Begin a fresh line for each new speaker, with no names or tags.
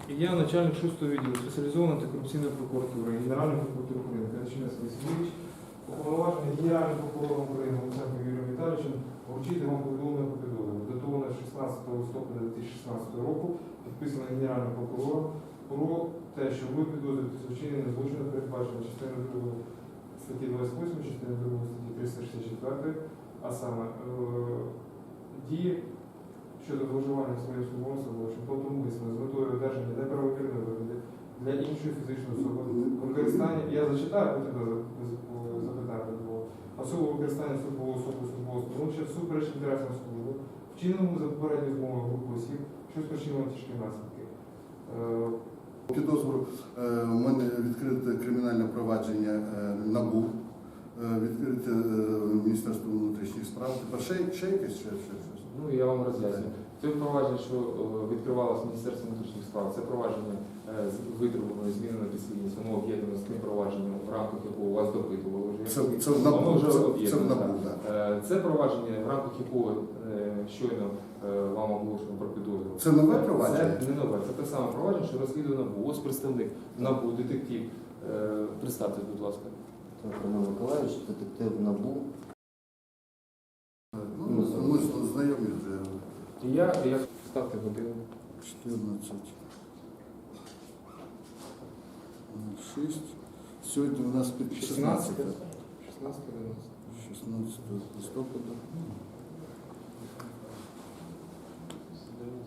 Я начальник 6-го відділу спеціалізованої антикорупційної прокуратури, Генеральної прокуратури України, Кириченець Васильович, уповноважений Генеральним прокурором України Луценком Юрієм Віталійовичем вручити вам повідомлення про підозру, датоване 16 листопада 2016 року, підписане Генеральним прокурором про те, що ви підозрюєтесь у вчиненні злочину, передбачено частиною 2 статті 28, частиною 2 статті 364, а саме дії щодо зловживання своєї службової становища, умисно з метою одержання неправомірної вигоди для іншої фізичної особи, використання, я зачитаю, потім запитання було, особливо використання службового становища всупереч інтересам служби, вчиненому за попередньою змовою групи осіб, що спричинило тяжкі наслідки.
Підозру у мене відкрите кримінальне провадження НАБУ, відкрите Міністерство внутрішніх справ. Тепер ще якесь?
Ну, я вам роз'ясню. Це провадження, що відкривалося Міністерством внутрішніх справ, це провадження з витребуваної зміни на підслідність, воно об'єднано з тим провадженням, в рамках якого вас допитували вже.
Це в НАБУ,
так. Це провадження, в рамках якого щойно вам оголошено про підозру.
Це нове провадження?
Це не нове, це те саме провадження, що розслідує НАБУ. Ось представник НАБУ, детектив. Представтесь, будь ласка.
Роман Миколаївич, детектив НАБУ.
Ми знайомі вже.
І я ставте годину.
14. 6. Сьогодні у нас
16
16 листопада.